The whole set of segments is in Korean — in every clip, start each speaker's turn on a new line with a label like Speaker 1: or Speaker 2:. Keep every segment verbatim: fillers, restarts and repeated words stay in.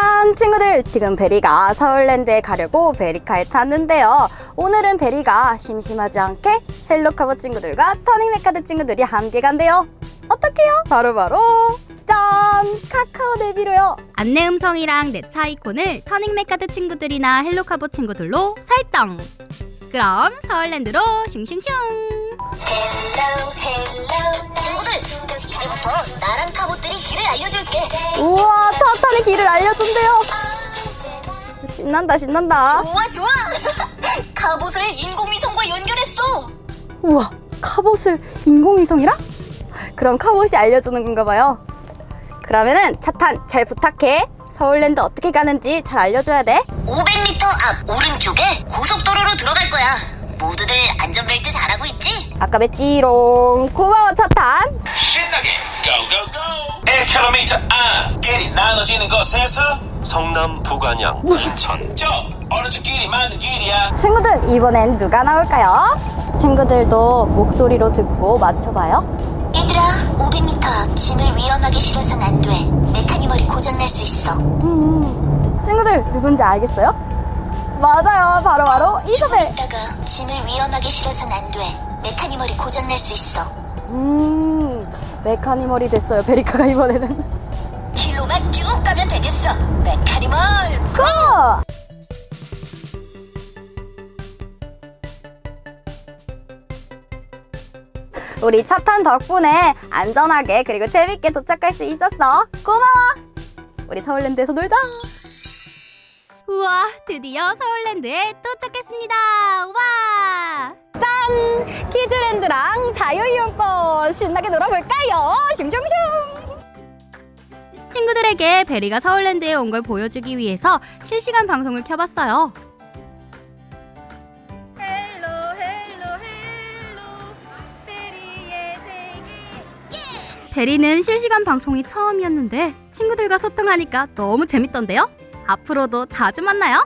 Speaker 1: 짠! 친구들, 지금 베리가 서울랜드에 가려고 베리카에 탔는데요. 오늘은 베리가 심심하지 않게 헬로카보 친구들과 터닝메카드 친구들이 함께 간대요. 어떡해요? 바로바로 짠! 카카오 내비로요.
Speaker 2: 안내 음성이랑 내 차 아이콘을 터닝메카드 친구들이나 헬로카보 친구들로 설정! 그럼 서울랜드로 슝슝슝!
Speaker 3: 헬로 헬로 친구들, 이제부터 나랑 카봇들이 길을 알려줄게.
Speaker 1: 우와, 차 타는 길을 알려준대요. 신난다, 신난다.
Speaker 3: 좋아 좋아. 카봇을 인공위성과 연결했어.
Speaker 1: 우와, 카봇을 인공위성이랑? 그럼 카봇이 알려주는 건가 봐요. 그러면은 차탄 잘 부탁해. 서울랜드 어떻게 가는지 잘 알려줘야 돼.
Speaker 3: 오백 미터 앞 오른쪽에 고속도로로 들어갈 거야. 모두들 안전벨트 잘하고 있지?
Speaker 1: 아까 뵀지롱. 고마워, 차탄.
Speaker 4: 신나게 고고고 일 킬로미터 앞 길이 나눠지는 곳에서 성남 부관양 인천 저 오른쪽 길이 맞는 길이야.
Speaker 1: 친구들, 이번엔 누가 나올까요? 친구들도 목소리로 듣고 맞춰봐요.
Speaker 3: 얘들아, 오백 미터 앞 짐을 위험하게 실어선 안 돼. 메카니멀이 고장날 수 있어.
Speaker 1: 음, 친구들 누군지 알겠어요? 맞아요, 바로바로 이소벨.
Speaker 3: 이따가 짐을 위험하게 실어선 안 돼. 메카니멀이 고장날 수 있어.
Speaker 1: 음, 메카니멀이 됐어요, 베리카가 이번에는.
Speaker 3: 길로만 쭉 가면 되겠어. 메카니멀
Speaker 1: 고! 우리 차탄 덕분에 안전하게 그리고 재밌게 도착할 수 있었어. 고마워. 우리 서울랜드에서 놀자.
Speaker 2: 우와, 드디어 서울랜드에 도착했습니다. 와!
Speaker 1: 짠! 키즈랜드랑 자유이용권 신나게 놀아볼까요? 슝슝슝.
Speaker 2: 친구들에게 베리가 서울랜드에 온 걸 보여주기 위해서 실시간 방송을 켜봤어요.
Speaker 1: 헬로 헬로 헬로 베리의 세계.
Speaker 2: 베리는 실시간 방송이 처음이었는데 친구들과 소통하니까 너무 재밌던데요? 앞으로도 자주 만나요.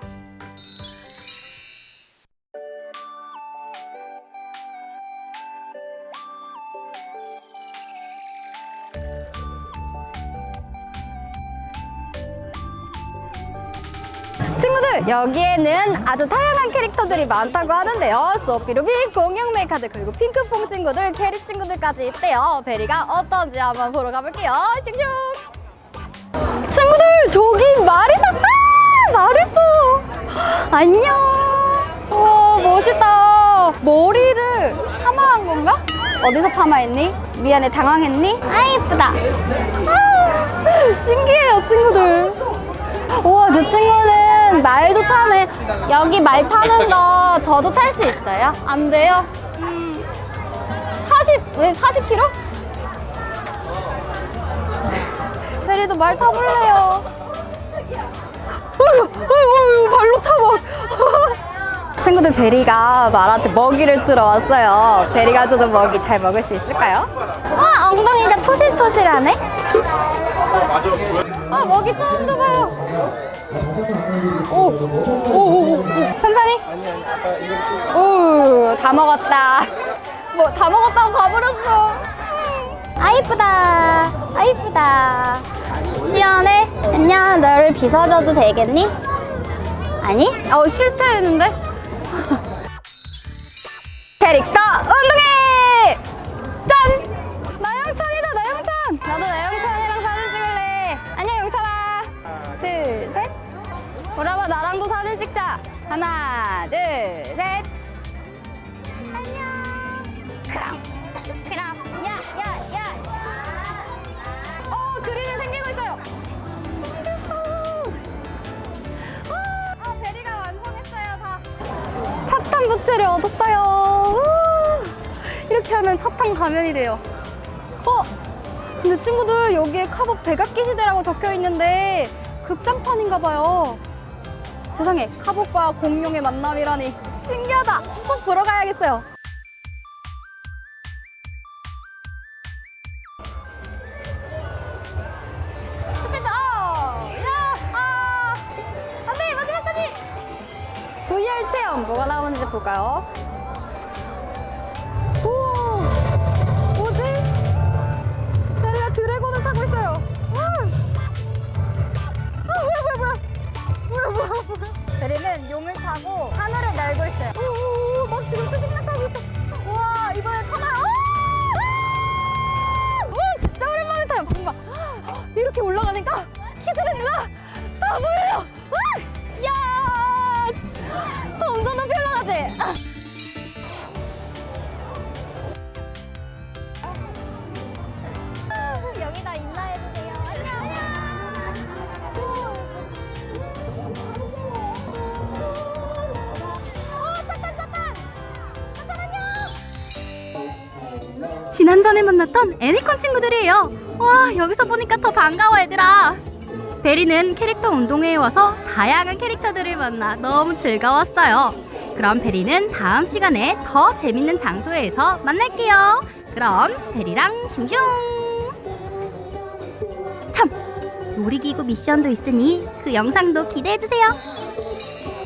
Speaker 1: 친구들, 여기에는 아주 다양한 캐릭터들이 많다고 하는데요. 소피루비, 공룡메이카드, 그리고 핑크퐁 친구들, 캐리 친구들까지 있대요. 베리가 어떤지 한번 보러 가볼게요. 슝슝. 친구들, 저기 마리사. 아, 마리사. 안녕. 와, 멋있다. 머리를 파마한 건가? 어디서 파마했니? 미안해, 당황했니? 아, 예쁘다. 아, 신기해요, 친구들. 우와, 저 친구는 말도 타네. 여기 말 타는 거 저도 탈 수 있어요? 안 돼요? 음, 사십, 왜 사십 킬로미터? 세리도 말 타볼래요. 어휴, 어휴, 발로 타봐. 친구들, 베리가 말한테 먹이를 주러 왔어요. 베리가 주는 먹이 잘 먹을 수 있을까요? 와, 엉덩이가 토실토실하네. 아, 먹이 처음 줘봐요. 오, 오, 오, 오, 천천히. 오, 다 먹었다. 뭐, 다 먹었다고 가버렸어. 아, 이쁘다. 아, 이쁘다. 시원해. 안녕, 너를 빗어줘도 되겠니? 아니? 어, 싫다 했는데. 캐릭터 운동회! 짠! 나영찬이다, 나영찬! 나도 나영찬이랑 사진 찍을래. 안녕, 영찬아. 둘, 셋. 보라봐, 나랑도 사진 찍자. 하나, 둘, 셋. 안녕. 그럼, 그럼, 야, 야, 야. 어, 그림이 생기고 있어요. 생겼어. 어, 베리가 완성했어요, 다. 차탄 부츠를 얻었어요. 우, 이렇게 하면 차탄 가면이 돼요. 어? 근데 친구들, 여기에 카봇 백악기 시대라고 적혀 있는데 극장판인가 봐요. 세상에, 카봇과 공룡의 만남이라니 신기하다. 꼭 보러 가야겠어요. 스피드 업! 야! 아! 안 돼! 마지막까지! 브이알 체험 뭐가 나오는지 볼까요? 오! 뭐지? 베리가 드래곤을 타고 있어요. 와! 아, 뭐야, 뭐야, 뭐야! 용을 타고 하늘을 날고 있어요. 오, 막 지금 수직낙하고 있어. 우와, 이번에 타나요? 오, 진짜 오랜만에 타요. 봐. 이렇게 올라가니까 키즈랜드가 다 보여요. 야, 엄청 높이 올라가지? 여기다 인사해주세요. 안녕. 오, 차탄, 차탄. 차탄, 안녕.
Speaker 2: 지난번에 만났던 애니콘 친구들이에요. 와, 여기서 보니까 더 반가워 얘들아. 베리는 캐릭터 운동회에 와서 다양한 캐릭터들을 만나 너무 즐거웠어요. 그럼 베리는 다음 시간에 더 재밌는 장소에서 만날게요. 그럼 베리랑 슝슝. 참, 놀이기구 미션도 있으니 그 영상도 기대해주세요.